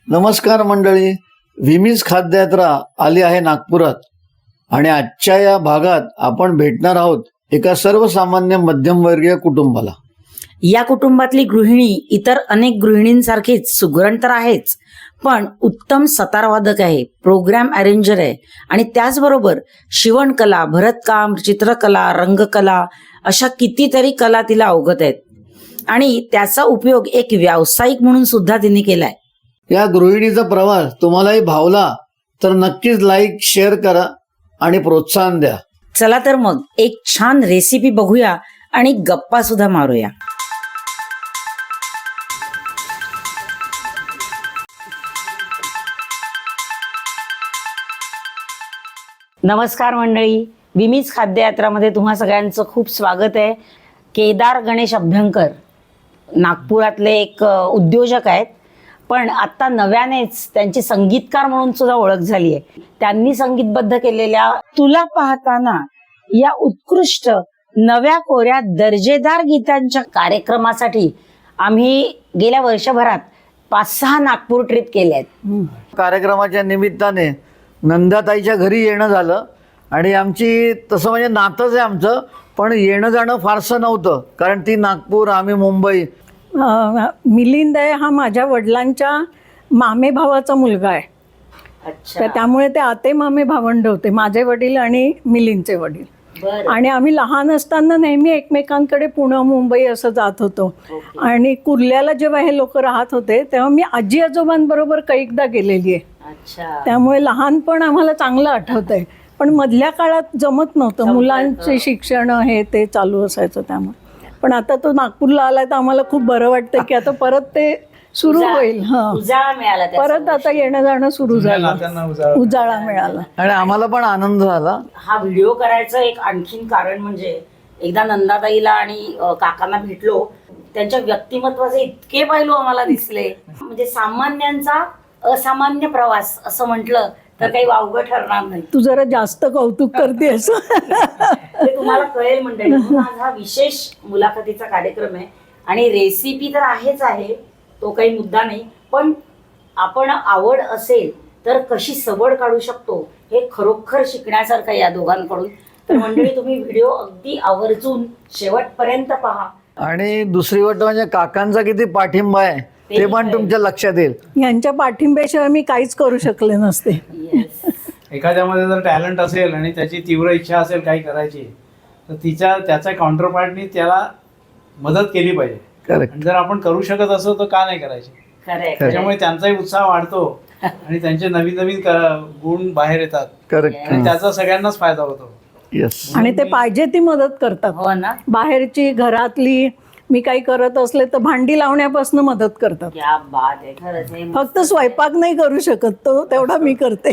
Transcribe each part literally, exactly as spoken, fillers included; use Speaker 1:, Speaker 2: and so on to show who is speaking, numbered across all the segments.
Speaker 1: नमस्कार मंडळी, विमीज खाद्ययात्रा आली आहे नागपुरात आणि आजच्या या भागात आपण भेटणार आहोत एका सर्वसामान्य मध्यमवर्गीय कुटुंबाला.
Speaker 2: या कुटुंबातली गृहिणी इतर अनेक गृहिणींसारखीच सुगरण तर आहेच, पण उत्तम सतारवादक आहे, प्रोग्राम अरेंजर आहे आणि त्याचबरोबर शिवणकला, भरतकाम, चित्रकला, रंगकला अशा कितीतरी कला तिला अवगत आहेत आणि त्याचा उपयोग एक व्यावसायिक म्हणून सुद्धा तिने केलाय.
Speaker 1: या गृहिणीचा प्रवास तुम्हालाही भावला तर नक्कीच लाईक, शेअर करा आणि प्रोत्साहन द्या.
Speaker 2: चला तर मग एक छान रेसिपी बघूया आणि गप्पा सुद्धा मारूया. नमस्कार मंडळी, विमीज खाद्ययात्रामध्ये तुम्हा सगळ्यांचं खूप स्वागत आहे. केदार गणेश अभ्यंकर नागपुरातले एक उद्योजक आहेत, पण आता नव्यानेच त्यांची संगीतकार म्हणून सुद्धा ओळख झाली आहे. त्यांनी संगीतबद्ध केलेल्या तुला पाहताना या उत्कृष्ट नव्या कोऱ्या दर्जेदार गीतांच्या कार्यक्रमासाठी आम्ही गेल्या वर्षभरात पाच सहा नागपूर ट्रिप केल्या आहेत.
Speaker 1: कार्यक्रमाच्या निमित्ताने नंदाताईच्या घरी येणं झालं आणि आमची तसं म्हणजे नातंच आहे आमचं, पण येणं जाणं फारसं नव्हतं कारण ती नागपूर, आम्ही मुंबई.
Speaker 3: मिलिंद आहे हा माझ्या वडिलांच्या मामे भावाचा मुलगा आहे. तर त्यामुळे ते आते मामे भावंड होते, माझे वडील आणि मिलिंदचे वडील. आणि आम्ही लहान असताना नेहमी एकमेकांकडे पुणे मुंबई असं जात होतो. आणि कुर्ल्याला जेव्हा हे लोक राहत होते तेव्हा मी आजी आजोबांबरोबर कैकदा गेलेली आहे. त्यामुळे लहानपण आम्हाला चांगलं आठवत आहे. पण मधल्या काळात जमत नव्हतं, मुलांचे शिक्षण हे ते चालू असायचं. त्यामुळे पण आता तो नागपूरला आलाय तर आम्हाला खूप बरं वाटतं की आता परत ते सुरू होईल. हा, परत आता येणं जाणं सुरू झालं, उजाळा मिळाला
Speaker 1: आणि आम्हाला पण आनंद झाला.
Speaker 2: हा व्हिडिओ करायचं एक आणखीन कारण म्हणजे एकदा नंदाताईला आणि काकांना भेटलो, त्यांच्या व्यक्तिमत्वाचे इतके पैलू आम्हाला दिसले. म्हणजे सामान्यांचा असामान्य प्रवास असं म्हटलं तर काही वावगं ठरणार नाही.
Speaker 3: तू जरा जास्त कौतुक करते असं
Speaker 2: ते तुम्हाला कळेल मंडळी. आज हा विशेष मुलाखतीचा कार्यक्रम आहे आणि रेसिपी तर आहेच आहे, तो काही मुद्दा नाही, पण आपण आवड असेल तर कशी सवड काढू शकतो हे खरोखर शिकण्यासारखं या दोघांकडून. तर मंडळी तुम्ही व्हिडिओ अगदी आवर्जून शेवटपर्यंत पहा.
Speaker 1: आणि दुसरी गोष्ट म्हणजे काकांचा किती पाठिंबा आहे ते पण तुमच्या लक्षात येईल.
Speaker 3: यांच्या पाठिंब्याशिवाय मी काहीच करू शकले नसते.
Speaker 4: एखाद्यामध्ये जर टॅलेंट असेल आणि त्याची तीव्र इच्छा असेल काही करायची तर तिच्या त्याच्या काउंटर पार्टनी त्याला मदत केली पाहिजे. आणि जर आपण करू शकत असो तर का नाही करायची. त्याच्यामुळे त्यांचाही उत्साह वाढतो आणि त्यांचे नवीन नवीन गुण बाहेर येतात.
Speaker 1: करेक्ट.
Speaker 4: आणि त्याचा सगळ्यांनाच फायदा होतो.
Speaker 1: येस.
Speaker 3: आणि ते पाहिजे ती मदत करतात.
Speaker 2: हो ना.
Speaker 3: बाहेरची, घरातली, मी काही करत असले तर भांडी लावण्यापासून मदत करतात.
Speaker 2: क्या बात आहे, खरंच आहे.
Speaker 3: फक्त स्वयंपाक नाही करू शकत, तो तेवढा मी करते.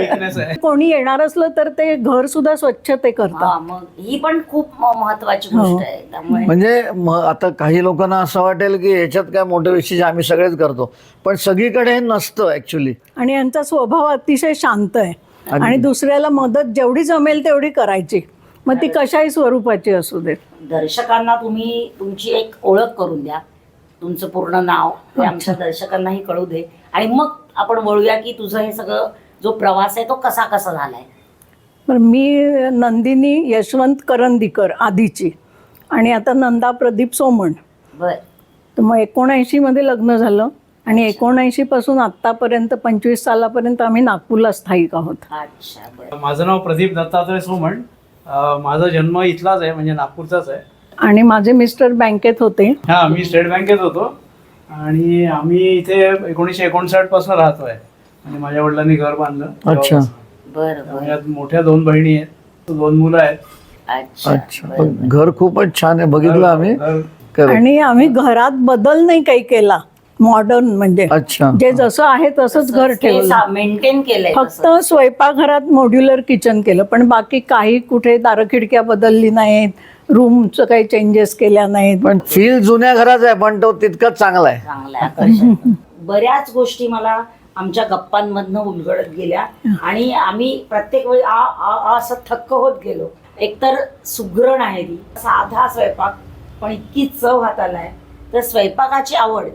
Speaker 3: कोणी येणार असलं तर ते घर सुद्धा स्वच्छ ते करतात.
Speaker 2: मग ही पण खूप महत्वाची गोष्ट आहे. त्यामुळे
Speaker 1: म्हणजे म- आता काही लोकांना असं वाटेल की याच्यात काय मोठं विशेष, आम्ही सगळेच करतो, पण सगळीकडे हे नसतं ऍक्च्युली.
Speaker 3: आणि यांचा स्वभाव अतिशय शांत आहे आणि दुसऱ्याला मदत जेवढी जमेल तेवढी करायची, मग ती कशाही स्वरूपाची असू देत.
Speaker 2: दर्शकांना तुम्ही तुमची एक ओळख करून द्या, तुमचं पूर्ण नाव हे आमच्या दर्शकांनाही कळू दे आणि मग आपण वळूया की तुझं हे सगळं जो प्रवास आहे तो कसा कसा झालाय.
Speaker 3: पण मी नंदिनी यशवंत करंदीकर आधीची आणि आता नंदा प्रदीप सोमण.
Speaker 2: बर.
Speaker 3: तर मग एकोणऐंशी मध्ये लग्न झालं आणि एकोणऐंशी पासून आतापर्यंत पंचवीस सालापर्यंत आम्ही नागपूरला स्थायिक आहोत.
Speaker 2: अच्छा. बर.
Speaker 4: माझं नाव प्रदीप दत्तात्रय सोमण. माझा जन्म इथलाच आहे, म्हणजे नागपूरचाच आहे.
Speaker 3: आणि माझे मिस्टर बँकेत होते.
Speaker 4: हा, मी स्टेट बँकेत होतो आणि आम्ही इथे एकोणीसशे एकोणसाठ पासून राहतोय. आणि माझ्या वडिलांनी घर बांधलं.
Speaker 1: अच्छा.
Speaker 2: बर.
Speaker 4: यात मोठ्या दोन बहिणी आहेत, दोन मुलं आहेत.
Speaker 2: अच्छा.
Speaker 1: अच्छा. पण घर खूपच छान आहे, बघितलं आम्ही.
Speaker 4: घर-
Speaker 3: आणि आम्ही घरात बदल नाही काही केला, मॉडर्न म्हणजे
Speaker 1: अच्छा.
Speaker 3: जे जसं आहे तसंच घर ठेवलं.
Speaker 2: मेंटेन केलंय.
Speaker 3: फक्त स्वयंपाकघरात मॉड्युलर किचन केलं, पण बाकी काही कुठे दार खिडक्या बदलली नाहीत, रूमचं काही चेंजेस केल्या नाहीत.
Speaker 1: पण फील जुन्या घराचा आहे, पण तो तितकाच चांगला आहे.
Speaker 2: चांगला आहे, आकर्षक. बऱ्याच गोष्टी मला आमच्या गप्पांमधनं उलगडत गेल्या आणि आम्ही प्रत्येक वेळी आ आ असं थक्क होत गेलो. एकतर सुगरण आहे ती, साधा स्वयंपाक पण इतकी चव हाताला आहे. तर स्वयंपाकाची आवड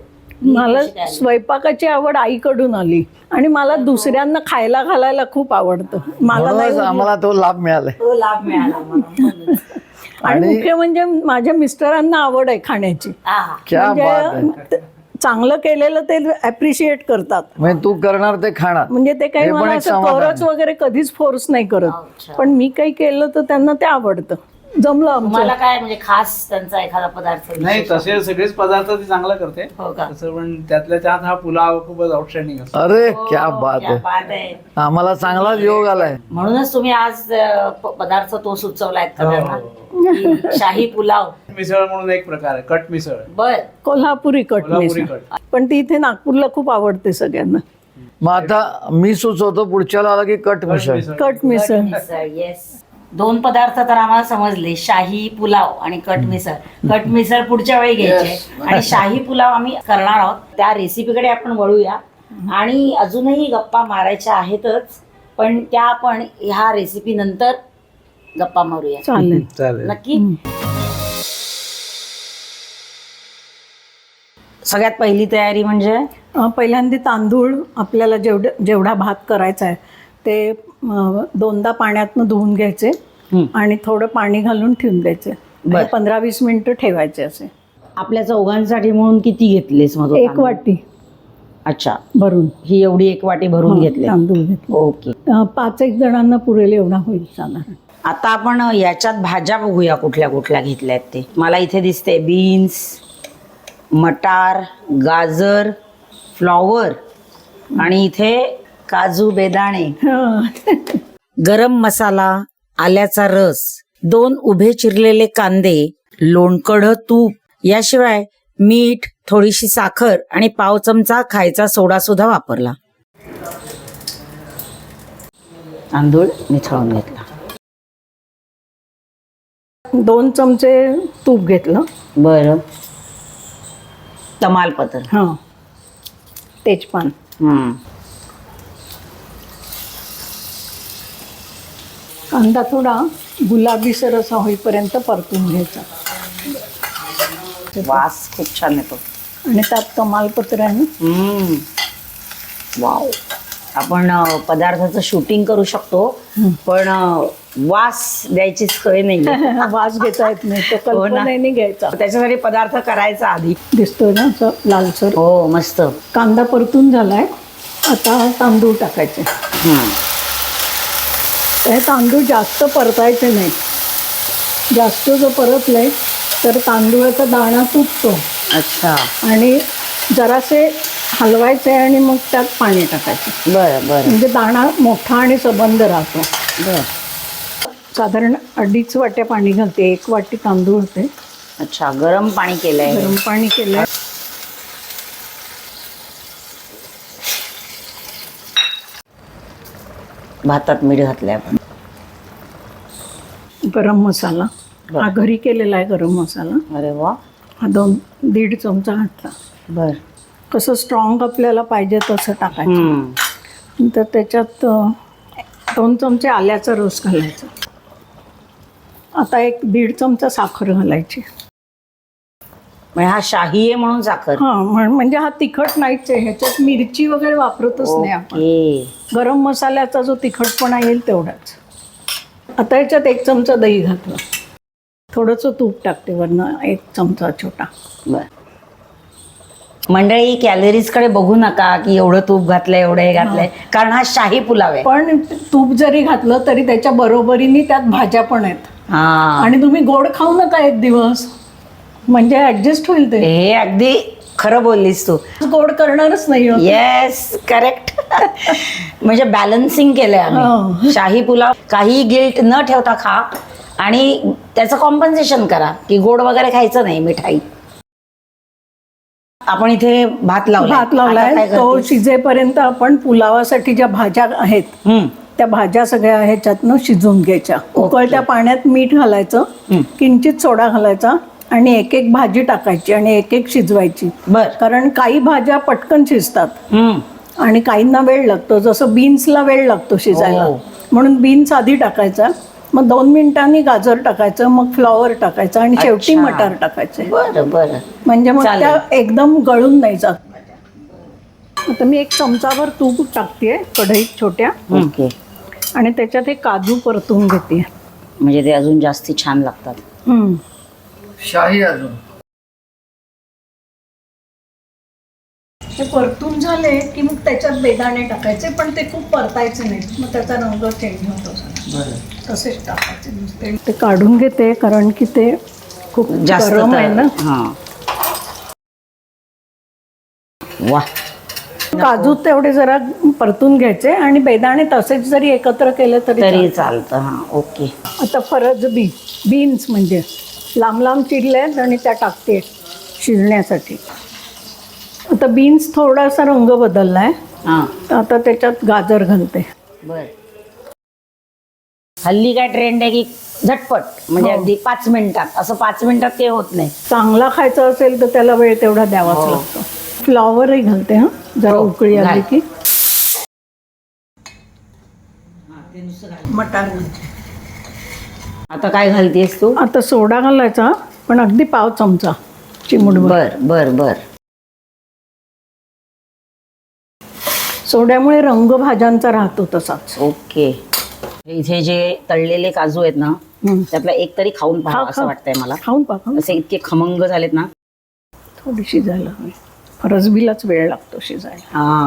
Speaker 3: मला स्वयंपाकाची आवड आईकडून आली आणि मला दुसऱ्यांना खायला घालायला खूप आवडतं. मला नाही
Speaker 1: म्हणूनच आम्हाला तो लाभ मिळालाय.
Speaker 2: तो लाभ मिळाला मला.
Speaker 3: आणि मुख्य म्हणजे माझ्या मिस्टरांना आवड आहे खाण्याची.
Speaker 2: आहा.
Speaker 1: क्या बात आहे.
Speaker 3: म्हणजे चांगलं केलेलं ते अप्रिशिएट करतात.
Speaker 1: म्हणजे तू करणार ते खाणार.
Speaker 3: म्हणजे ते काही
Speaker 1: हे पण
Speaker 3: मला
Speaker 1: एक
Speaker 3: असं
Speaker 1: समाधान
Speaker 3: करच वगैरे कधीच फोर्स नाही करत,
Speaker 2: अच्छा.
Speaker 3: पण मी काही केलं तर त्यांना ते आवडतं. जमलं आमचं.
Speaker 2: मला काय म्हणजे खास त्यांचा एखादा पदार्थ
Speaker 4: नाही
Speaker 2: विशेष?
Speaker 4: तसे सगळेच पदार्थ ती चांगलं करते
Speaker 2: हो का?
Speaker 4: तसं, पण त्यातल्या त्यात हा पुलाव खूपच आउटस्टँडिंग असतो.
Speaker 1: अरे
Speaker 2: हो,
Speaker 1: क्या बात
Speaker 2: क्या
Speaker 1: आहे.
Speaker 2: बात आहे.
Speaker 1: आम्हाला चांगलाच योग आलाय.
Speaker 2: म्हणूनच तुम्ही आज अ, प- पदार्थ तो सुचवलाय
Speaker 4: हो,
Speaker 2: सगळ्यांना
Speaker 4: हो.
Speaker 2: की शाही पुलाव.
Speaker 4: मिसळ म्हणून एक प्रकार आहे, कट मिसळ,
Speaker 2: बर.
Speaker 3: कोल्हापुरी कट
Speaker 4: कोल्हापुरी
Speaker 3: मिसळ.
Speaker 4: कट.
Speaker 3: पण ती इथे नागपूरला खूप आवडते सगळ्यांना.
Speaker 1: मग आता मी सुचवतो पुढच्याला आला की कट मिसळ.
Speaker 3: कट मिसळ.
Speaker 2: मिसळ, येस. दोन पदार्थ तर आम्हाला समजले, शाही पुलाव आणि कट मिसळ. कट मिसळ पुढच्या वेळी घ्यायचे आणि शाही पुलाव आम्ही करणार आहोत. त्या रेसिपीकडे आपण वळूया आणि अजूनही गप्पा मारायच्या आहेतच, पण त्या आपण ह्या रेसिपी नंतर गप्पा मारूया.
Speaker 3: चालेल.
Speaker 4: चालेल.
Speaker 2: नक्की. सगळ्यात पहिली तयारी म्हणजे
Speaker 3: अं, पहिल्यांदा तांदूळ आपल्याला जेवढ जेवढा भात करायचा आहे ते अं, दोनदा पाण्यातनं धुवून घ्यायचे
Speaker 2: हं.
Speaker 3: आणि थोडं पाणी घालून ठेवून द्यायचे.
Speaker 2: बरं.
Speaker 3: पंधरा वीस मिनिटं ठेवायचे असे.
Speaker 2: आपल्या चौघांसाठी म्हणून किती घेतलेस मग तो
Speaker 3: एक
Speaker 2: तांदूळ?
Speaker 3: वाटी
Speaker 2: अच्छा,
Speaker 3: भरून
Speaker 2: ही एवढी एक वाटी भरून घेतली.
Speaker 3: तांदूळ घेतले.
Speaker 2: ओके.
Speaker 3: अं, पाच एक जणांना पुरेल एवढा होईल साधारण.
Speaker 2: आता आपण याच्यात भाज्या बघूया कुठल्या कुठल्या घेतल्यात ते. मला इथे दिसते बीन्स, मटार, गाजर, फ्लॉवर आणि इथे काजू बेदाणे,
Speaker 3: हं.
Speaker 2: गरम मसाला, आल्याचा रस, दोन उभे चिरलेले कांदे, लोणकढं तूप, याशिवाय मीठ, थोडीशी साखर आणि पाव चमचा खायचा सोडा सुद्धा वापरला. तांदूळ मिसळून घेतला.
Speaker 3: दोन चमचे तूप घेतलं.
Speaker 2: बरं. तमालपत्र.
Speaker 3: हां, तेजपान.
Speaker 2: हम्म.
Speaker 3: कांदा थोडा गुलाबीसर असा होईपर्यंत परतून घ्यायचा
Speaker 2: वास खूप छान येतो.
Speaker 3: आणि त्यात तमालपत्र आहे.
Speaker 2: हम्म. वाव. आपण अ, पदार्थाचं शूटिंग करू शकतो, पण अ, वास द्यायची सोय नाही.
Speaker 3: वास घेता येत नाही, तो
Speaker 2: हो ना.
Speaker 3: कल्पनेने घ्यायचा.
Speaker 2: त्याच्यासाठी पदार्थ करायचा आधी.
Speaker 3: दिसतोय ना असं लालसर.
Speaker 2: हो, मस्त.
Speaker 3: कांदा परतून झालाय. आता तांदूळ टाकायचे.
Speaker 2: हम्म.
Speaker 3: हे तांदूळ जास्त परतायचे नाही. जास्त जर परतले तर तांदूळाचा दाणा तुटतो
Speaker 2: अच्छा.
Speaker 3: आणि जरासे हलवायचे आणि मग त्यात पाणी टाकायचं.
Speaker 2: बरं बरं
Speaker 3: म्हणजे दाणा मोठा आणि सबंध राहतो.
Speaker 2: बरं.
Speaker 3: साधारण अडीच वाट्या पाणी घालते. एक वाटी तांदूळ होते.
Speaker 2: अच्छा, गरम पाणी केलंय.
Speaker 3: गरम पाणी केलंय.
Speaker 2: भातात मीठ घातलंय आपण.
Speaker 3: गरम मसाला हा घरी केलेला आहे. गरम मसाला
Speaker 2: अरे वा.
Speaker 3: हा दोन दीड चमचा घातला.
Speaker 2: बर.
Speaker 3: कसं स्ट्रॉंग आपल्याला पाहिजे तसं टाकायचं.
Speaker 2: हम्म.
Speaker 3: तर त्याच्यात अ, दोन चमचे आल्याचा रस घालायचा. आता एक दीड चमचा साखर घालायची.
Speaker 2: म्हणजे हा शाही आहे म्हणून साखर.
Speaker 3: हा म्हण- म्हणजे हा तिखट नाहीच आहे. ह्याच्यात मिरची वगैरे वापरतच नाही आपण.
Speaker 2: ओके.
Speaker 3: गरम मसाल्याचा जो तिखटपणा येईल तेवढाच. आता ह्याच्यात एक चमचा दही घातलं. थोडंसं तूप टाकते वरनं, एक चमचा छोटा.
Speaker 2: बर. मंडळी, कॅलरीजकडे बघू नका की एवढं तूप घातलंय एवढं हे घातलंय, कारण हा शाही पुलाव आहे.
Speaker 3: पण तूप जरी घातलं तरी त्याच्या बरोबरीने त्यात भाज्या पण आहेत.
Speaker 2: हा.
Speaker 3: आणि तुम्ही गोड खाऊ नका एक दिवस, म्हणजे ऍडजस्ट होईल ते.
Speaker 2: हे अगदी खरं बोललीस तू.
Speaker 3: गोड करणारच नाही आहोत.
Speaker 2: Yes, correct. म्हणजे बॅलन्सिंग केलंय आम्ही.
Speaker 3: हो.
Speaker 2: शाही पुलाव काही गिल्ट न ठेवता खा आणि त्याचं कॉम्पन्सेशन करा की गोड वगैरे खायचं नाही, मिठाई. आपण इथे भात लावला.
Speaker 3: भात लावलाय. तो शिजेपर्यंत आपण पुलावासाठी ज्या भाज्या आहेत त्या भाज्या सगळ्या ह्याच्यातनं शिजवून घ्यायच्या. उकळत्या पाण्यात मीठ घालायचं, किंचित सोडा घालायचा आणि एक एक भाजी टाकायची आणि एक एक शिजवायची.
Speaker 2: बर.
Speaker 3: कारण काही भाज्या पटकन शिजतात
Speaker 2: हम्म.
Speaker 3: आणि काहींना वेळ लागतो. जसं बीन्सला वेळ लागतो शिजायला,
Speaker 2: हो.
Speaker 3: म्हणून बीन्स आधी टाकायचा, मग दोन मिनिटांनी गाजर टाकायचं, मग फ्लॉवर टाकायचं आणि शेवटी
Speaker 2: अच्छा.
Speaker 3: मटार टाकायचे.
Speaker 2: बरं बरं.
Speaker 3: म्हणजे मग
Speaker 2: चालेल.
Speaker 3: त्या एकदम गळून नाही जात. आता मी एक चमचाभर तूप टाकते कढईत छोट्या
Speaker 2: ओके.
Speaker 3: आणि त्याच्यात हे काजू परतून घेते.
Speaker 2: म्हणजे ते अजून जास्ती छान लागतात.
Speaker 3: हम्म.
Speaker 1: शाही अजून
Speaker 3: हे परतून झाले की मग त्याच्यात बेदाणे टाकायचे, पण ते खूप परतायचे नाहीत, मग त्याचा रंग चेंज होतो सगळा. तसेच टाकायचे नुसते. ते काढून घेते कारण की ते खूप
Speaker 2: जास्त
Speaker 3: गरम आहे ना.
Speaker 2: हां. वा.
Speaker 3: काजू तेवढे जरा परतून घ्यायचे आणि बेदाणे तसेच जरी एकत्र केले तरी
Speaker 2: तरी
Speaker 3: चालतं.
Speaker 2: चालतं. हां ओके.
Speaker 3: आता फरज बी बीन्स म्हणजे लांब लांब चिरले आहेत आणि त्या टाकते शिजण्यासाठी. आता बीन्स थोडासा रंग बदलला आहे,
Speaker 2: हां
Speaker 3: आता त्याच्यात गाजर घालते.
Speaker 2: बर. हल्ली काय ट्रेंड आहे की झटपट म्हणजे
Speaker 3: हो.
Speaker 2: अगदी पाच मिनिटात, असं पाच मिनिटात ते होत नाही.
Speaker 3: चांगला खायचा असेल तर त्याला वेळ तेवढा द्यावाच
Speaker 2: हो.
Speaker 3: लागतो. फ्लॉवरही घालते हां जरा
Speaker 2: हो,
Speaker 3: उकळी आली
Speaker 2: घाल.
Speaker 3: की. मटार
Speaker 2: आता काय घालतेस तू?
Speaker 3: आता सोडा घालायचा, पण अगदी पाव चमचा चिमूटभर.
Speaker 2: बर बर बर.
Speaker 3: सोड्यामुळे रंग भाज्यांचा राहतो तसाच.
Speaker 2: ओके. इथे जे तळलेले काजू आहेत ना,
Speaker 3: हं.
Speaker 2: त्यातला एक तरी खाऊन
Speaker 3: खा,
Speaker 2: पाहावं
Speaker 3: खा.
Speaker 2: असं वाटतंय मला.
Speaker 3: खाऊन पाहा.
Speaker 2: असे इतके खमंग झालेत ना.
Speaker 3: थोडी शिजायला हवी. फरसबीलाच वेळ लागतो शिजायला.
Speaker 2: हा.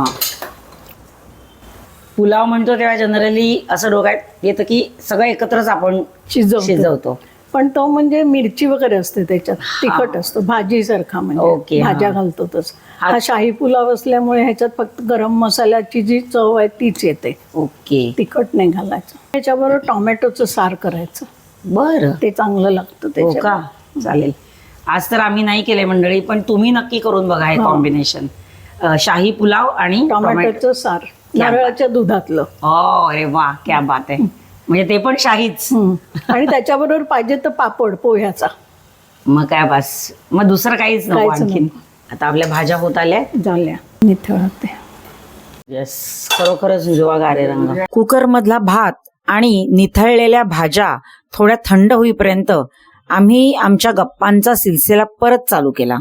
Speaker 2: पुलाव म्हणतो तेव्हा जनरली असं डोक्यात येतं की सगळं एकत्रच आपण
Speaker 3: शिजवतो.
Speaker 2: शिजवतो.
Speaker 3: पण तो म्हणजे मिरची वगैरे असते त्याच्यात, तिखट असतो भाजी सारखा,
Speaker 2: ओके,
Speaker 3: म्हणजे
Speaker 2: हा.
Speaker 3: भाज्या घालतो तस.
Speaker 2: हा.
Speaker 3: हा शाही पुलाव असल्यामुळे ह्याच्यात फक्त गरम मसाल्याची जी चव आहे तीच येते,
Speaker 2: ओके.
Speaker 3: तिखट नाही घालायचं. त्याच्याबरोबर टोमॅटोचं सार करायचं,
Speaker 2: बर.
Speaker 3: ते चांगलं लागतं
Speaker 2: हो
Speaker 3: त्याच्यात.
Speaker 2: का? चालेल. आज तर आम्ही नाही केले मंडळी, पण तुम्ही नक्की करून बघा हे
Speaker 3: हो.
Speaker 2: कॉम्बिनेशन. शाही पुलाव आणि टोमॅटो.
Speaker 3: टोमॅटोचं सार
Speaker 2: क्या
Speaker 3: नारळाच्या दुधातलं.
Speaker 2: हो अरे वा, क्या बात आहे. म्हणजे ते पण शाहीच.
Speaker 3: हम्म. आणि त्याच्याबरोबर पाहिजे तर पापड पोह्याचा.
Speaker 2: मग काय बस, मग दुसरं काहीच नको
Speaker 3: काहीच
Speaker 2: आणखीन. आता आपल्या भाज्या होत आल्या.
Speaker 3: झाल्या निथळते.
Speaker 2: येस, खरोखरच हिरवागार रंग. कुकर मधला भात आणि निथळलेल्या भाज्या थोड्या थंड होईपर्यंत आम्ही आमच्या गप्पांचा सिलसिला परत चालू केला.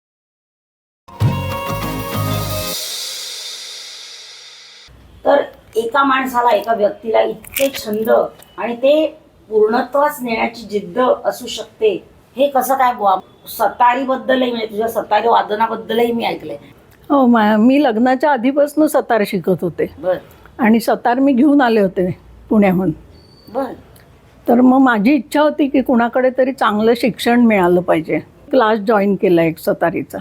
Speaker 2: तर एका माणसाला, एका व्यक्तीला इतके छंद आणि ते पूर्णत्वास नेण्याची जिद्द असू शकते, हे कसं काय बुवा? सतारी बद्दलही, म्हणजे तुझ्या सतारी वादनाबद्दलही मी ऐकलंय.
Speaker 3: हो, मा- मी लग्नाच्या आधीपासून सतार शिकत होते
Speaker 2: बर
Speaker 3: आणि सतार मी घेऊन आले होते पुण्याहून.
Speaker 2: बर.
Speaker 3: तर मग माझी इच्छा होती की कुणाकडे तरी चांगलं शिक्षण मिळालं पाहिजे. क्लास जॉईन केला एक सतारीचा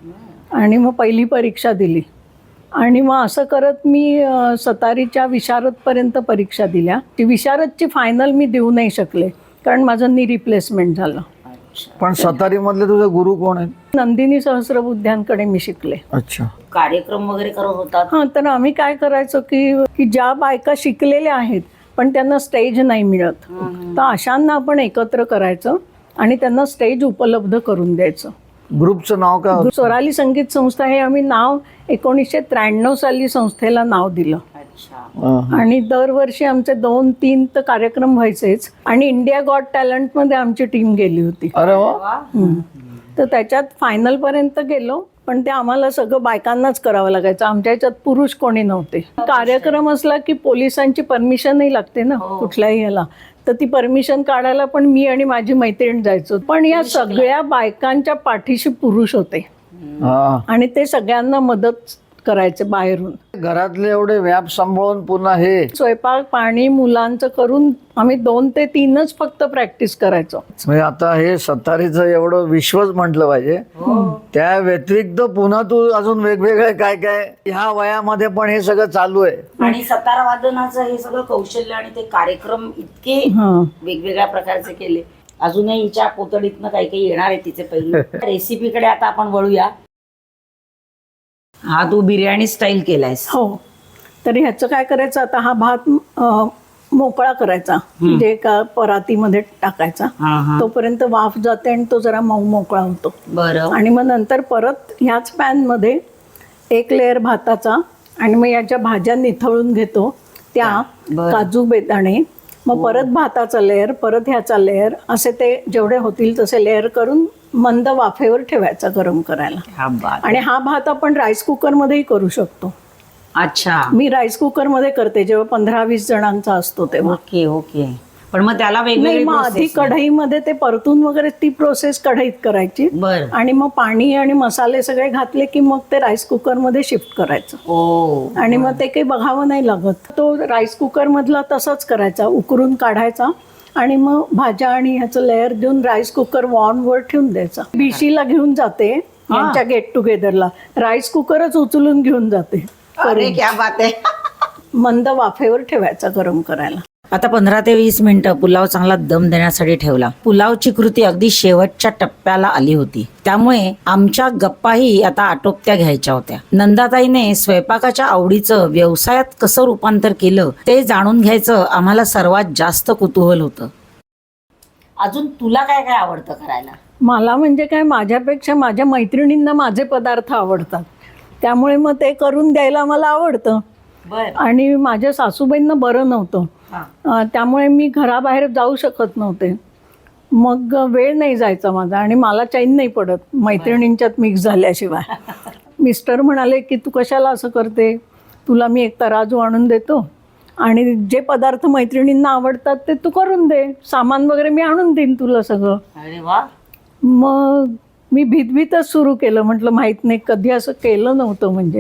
Speaker 3: आणि मग पहिली परीक्षा दिली आणि मग असं करत मी अ, सतारीच्या विशारदपर्यंत परीक्षा दिल्या. ती विशारदची फायनल मी देऊ नाही शकले कारण माझं नी रिप्लेसमेंट झालं.
Speaker 1: पण सतारी मधले तुझे गुरु कोण आहेत?
Speaker 3: नंदिनी सहस्रबुद्ध्यांकडे मी शिकले.
Speaker 1: अच्छा.
Speaker 2: कार्यक्रम वगैरे करत होतात.
Speaker 3: हां, तर आम्ही काय करायचो की की ज्या बायका शिकलेल्या आहेत पण त्यांना स्टेज नाही मिळत, तर अशांना आपण एकत्र करायचं आणि त्यांना स्टेज उपलब्ध करून द्यायचं.
Speaker 1: ग्रुपचं नाव काय होतं?
Speaker 3: स्वराली संगीत संस्था हे आम्ही नाव एकोणीसशे त्र्याण्णव साली संस्थेला नाव दिलं.
Speaker 2: अच्छा.
Speaker 1: हा.
Speaker 3: आणि दरवर्षी आमचे दोन तीन तर कार्यक्रम व्हायचेच आणि इंडिया गॉट टॅलेंटमध्ये आमची टीम गेली होती.
Speaker 1: अरे वा.
Speaker 3: हम्म. तर त्याच्यात फायनलपर्यंत गेलो, पण ते आम्हाला सगळं बायकांनाच करावं लागायचं. आमच्या ह्याच्यात पुरुष कोणी नव्हते. कार्यक्रम असला की पोलिसांची परमिशनही लागते ना कुठल्याही ह्याला, तर ती परमिशन काढायला पण मी आणि माझी मैत्रीण जायचो. पण या सगळ्या बायकांच्या पाठीशी पुरुष होते
Speaker 1: हा.
Speaker 3: आणि ते सगळ्यांना मदत करायचे बाहेरून.
Speaker 1: घरातले एवढे व्याप सांभाळून पुन्हा हे
Speaker 3: स्वयंपाक पाणी मुलांचं करून आम्ही दोन ते तीनच फक्त प्रॅक्टिस करायचो.
Speaker 1: म्हणजे आता हे सतारीचं एवढं विश्वच म्हटलं पाहिजे. त्या व्यतिरिक्त पुन्हा तू अजून वेगवेगळे काय काय ह्या वयामध्ये पण हे सगळं चालू आहे.
Speaker 2: आणि सतार वादनाचं हे सगळं कौशल्य आणि ते कार्यक्रम इतके
Speaker 3: हां.
Speaker 2: वेगवेगळ्या प्रकारचे केले. अजूनही हिच्या पोतडीतनं काही काही येणार आहे तिचे पहिले. रेसिपीकडे आता आपण वळूया. हा तू बिर्याणी स्टाईल केलायस.
Speaker 3: हो, तर ह्याचं काय करायचं, आता हा भात अं, मोकळा करायचा, म्हणजे एका परातीमध्ये टाकायचा.
Speaker 2: हा हा.
Speaker 3: तोपर्यंत वाफ जाते आणि तो जरा मऊ मोकळा होतो.
Speaker 2: बरं.
Speaker 3: आणि मग नंतर परत ह्याच पॅनमध्ये एक लेअर भाताचा आणि मग याच्या भाज्या निथळून घेतो त्या,
Speaker 2: बरं.
Speaker 3: काजू बेदाणे, मग परत भाताचा लेअर, परत ह्याचा लेअर, असे ते जेवढे होतील तसे लेअर करून मंद वाफेवर ठेवायचा गरम करायला.
Speaker 2: हा बात.
Speaker 3: आणि हा भात आपण राईस कुकरमध्येही करू शकतो.
Speaker 2: अच्छा,
Speaker 3: मी राईस कुकरमध्ये करते जेव्हा पंधरा वीस जणांचा असतो तेव्हा.
Speaker 2: Okay okay. पण मग त्याला
Speaker 3: नाही,
Speaker 2: वेगवेगळी
Speaker 3: मग आधी
Speaker 2: process आहे.
Speaker 3: कढईमध्ये ते परतून वगैरे ती प्रोसेस कढईत करायची
Speaker 2: बरं.
Speaker 3: आणि मग पाणी आणि मसाले सगळे घातले की मग ते राईस कुकरमध्ये शिफ्ट करायचं.
Speaker 2: ओ,
Speaker 3: आणि मग ते काही बघावं नाही लागत. तो राईस कुकरमधला तसाच करायचा, उकरून काढायचा आणि मग भाज्या आणि ह्याचं लेअर देऊन राईस कुकर वॉर्मवर ठेवून द्यायचा. बीसीला घेऊन जाते यांच्या गेट टुगेदरला, राईस कुकरच उचलून घेऊन जाते.
Speaker 2: अरे क्या बात आहे.
Speaker 3: मंद वाफेवर ठेवायचा गरम करायला.
Speaker 2: आता पंधरा ते वीस मिनिटं पुलाव चांगला दम देण्यासाठी ठेवला. पुलावची कृती अगदी शेवटच्या टप्प्याला आली होती, त्यामुळे आमच्या गप्पाही आता आटोपत्या घ्यायच्या होत्या. नंदाताईने स्वयंपाकाच्या आवडीचं व्यवसायात कसं रूपांतर केलं ते जाणून घ्यायचं आम्हाला सर्वात जास्त कुतूहल होतं. अजून तुला काय काय आवडतं करायला?
Speaker 3: मला म्हणजे काय, माझ्यापेक्षा माझ्या मैत्रिणींना माझे पदार्थ आवडतात, त्यामुळे मग ते करून द्यायला मला आवडतं.
Speaker 2: बर.
Speaker 3: आणि माझ्या सासूबाईंना बरं नव्हतं, अं, त्यामुळे मी घराबाहेर जाऊ शकत नव्हते. मग वेळ नाही जायचा माझा आणि मला चैन नाही पडत मैत्रिणींच्यात मिक्स झाल्याशिवाय. मिस्टर म्हणाले की तू कशाला असं करते, तुला मी एक तराजू आणून देतो आणि जे पदार्थ मैत्रिणींना आवडतात ते तू करून दे, सामान वगैरे मी आणून देईन तुला सगळं.
Speaker 2: अरे वा.
Speaker 3: मग मी भीतभीतच सुरू केलं, म्हटलं माहीत नाही, कधी असं केलं नव्हतं म्हणजे.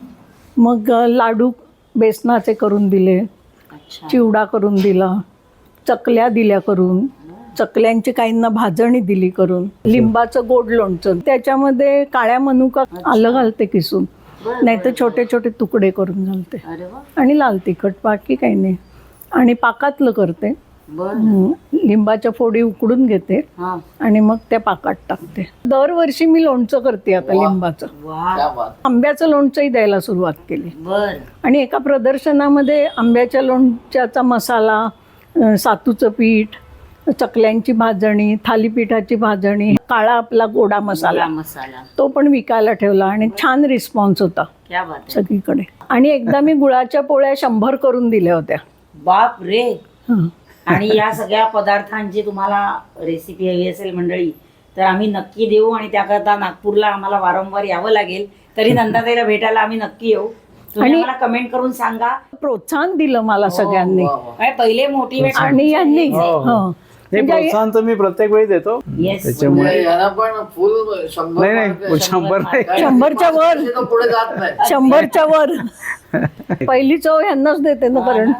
Speaker 3: मग लाडू बेसनाचे करून दिले, चिवडा करून दिला, चकल्या दिल्या करून, चकल्यांची काहींना भाजणी दिली करून, लिंबाचं गोड लोणचं, त्याच्यामध्ये काळ्या मनुका आलं घालते किसून, नाही तर छोटे छोटे तुकडे करून घालते, आणि लाल तिखट, बाकी काही नाही. आणि पाकातलं करते, हं, लिंबाच्या फोडी उकडून घेते आणि मग त्या पाकात टाकते. दरवर्षी मी लोणचं करते आता लिंबाचं. आंब्याचं लोणचंही द्यायला सुरुवात केली. आणि एका प्रदर्शनामध्ये आंब्याच्या लोणच्याचा मसाला, अ, सातूचं पीठ, चकल्यांची भाजणी, थालीपीठाची भाजणी, काळा आपला गोडा मसाला
Speaker 2: मसाला
Speaker 3: तो पण विकायला ठेवला आणि छान रिस्पॉन्स होता सगळीकडे. आणि एकदा मी गुळाच्या पोळ्या शंभर करून दिल्या होत्या.
Speaker 2: बाप रे.
Speaker 3: हं.
Speaker 2: आणि या सगळ्या पदार्थांची तुम्हाला रेसिपी हवी असेल मंडळी तर आम्ही नक्की देऊ, आणि त्याकरता नागपूरला आम्हाला वारंवार यावं लागेल. तरी नंदाताईला भेटायला आम्ही नक्की येऊ. तुम्ही
Speaker 3: आणि-
Speaker 2: मला कमेंट करून सांगा.
Speaker 3: प्रोत्साहन दिलं मला सगळ्यांनी.
Speaker 2: आणि पहिले मोटिवेशन
Speaker 3: आणि यांनी
Speaker 4: हो, हो.
Speaker 3: हं.
Speaker 4: नाही,
Speaker 3: म्हणजे
Speaker 4: प्रोत्साहन तर मी प्रत्येक वेळी देतो.
Speaker 2: येस.
Speaker 4: त्याच्यामुळे
Speaker 1: यांना पण फुल शंभर
Speaker 4: नाही, नाही,
Speaker 1: मार्क-
Speaker 4: शंभर नाही.
Speaker 1: काय-
Speaker 3: शंभरच्या वर.
Speaker 1: तो पुढे जात नाही.
Speaker 3: शंभरच्या वर पहिली चव ह्यांनाच देते ना, कारण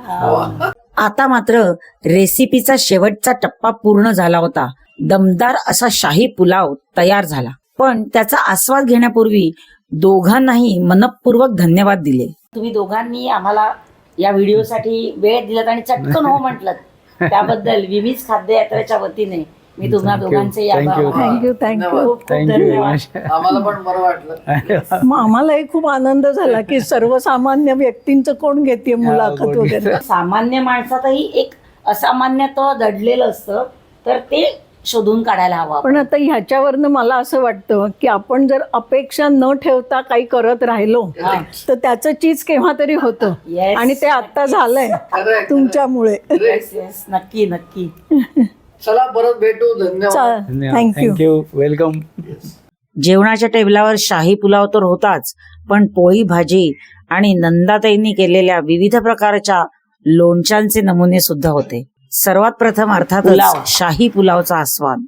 Speaker 2: आता मात्र रेसिपीचा शेवटचा टप्पा पूर्ण झाला होता. दमदार असा शाही पुलाव तयार झाला. पण त्याचा आस्वाद घेण्यापूर्वी दोघांनाही मनपूर्वक धन्यवाद दिले. तुम्ही दोघांनी आम्हाला या व्हिडिओसाठी वेळ दिलात आणि चटकन हो म्हटलं, त्याबद्दल विमीज खाद्य यात्रेच्या वतीने मी तुम्हा
Speaker 4: Thank you.
Speaker 2: दोघांचे
Speaker 4: Thank you.
Speaker 3: Thank you thank you.
Speaker 2: खूप खूप
Speaker 4: थँक्यू
Speaker 2: धन्यवाद.
Speaker 1: आम्हाला पण बरं वाटलं.
Speaker 3: मग आम्हालाही खूप आनंद झाला की सर्वसामान्य व्यक्तींचं कोण घेते मुलाखत वगैरे.
Speaker 2: सामान्य माणसातही एक असामान्यत्व दडलेलं असतं, तर ते शोधून काढायला हवं.
Speaker 3: पण आता ह्याच्यावरनं मला असं वाटतं की आपण जर अपेक्षा न ठेवता काही करत राहिलो तर त्याचं चीज केव्हा तरी होतं.
Speaker 2: Yes.
Speaker 3: आणि ते आता झालंय
Speaker 1: खरंय,
Speaker 3: तुमच्यामुळे.
Speaker 2: Yes, yes. नक्की नक्की.
Speaker 1: चला परत भेटू. धन्यवाद.
Speaker 3: थँक्यू.
Speaker 4: थँक्यू. वेलकम.
Speaker 2: जेवणाच्या टेबलावर शाही पुलाव तर होताच, पण पोळी भाजी आणि नंदाताईंनी केलेल्या विविध प्रकारच्या लोणच्यांचे नमुने सुद्धा होते. सर्वात प्रथम अर्थातच शाही पुलावचा आस्वाद.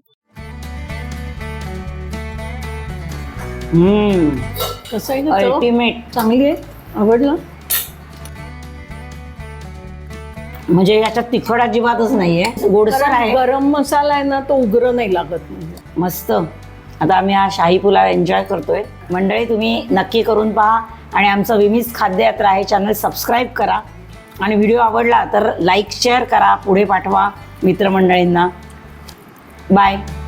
Speaker 3: कसं आहे का चव?
Speaker 2: अल्टिमेट.
Speaker 3: चांगली आहे, आवडलं.
Speaker 2: म्हणजे याच्यात तिखट अजिबातच नाहीये, गोडसर आहे.
Speaker 3: गरम मसाला आहे ना, तो उग्र नाही लागत. म्हणजे
Speaker 2: मस्त. आता आम्ही हा शाही पुलाव एन्जॉय करतोय. मंडळी तुम्ही नक्की करून पहा आणि आमचं विमीज खाद्य यात्रा हे चॅनल सबस्क्राईब करा. आणि व्हिडिओ आवडला तर लाईक शेअर करा, पुढे पाठवा मित्रमंडळींना. बाय.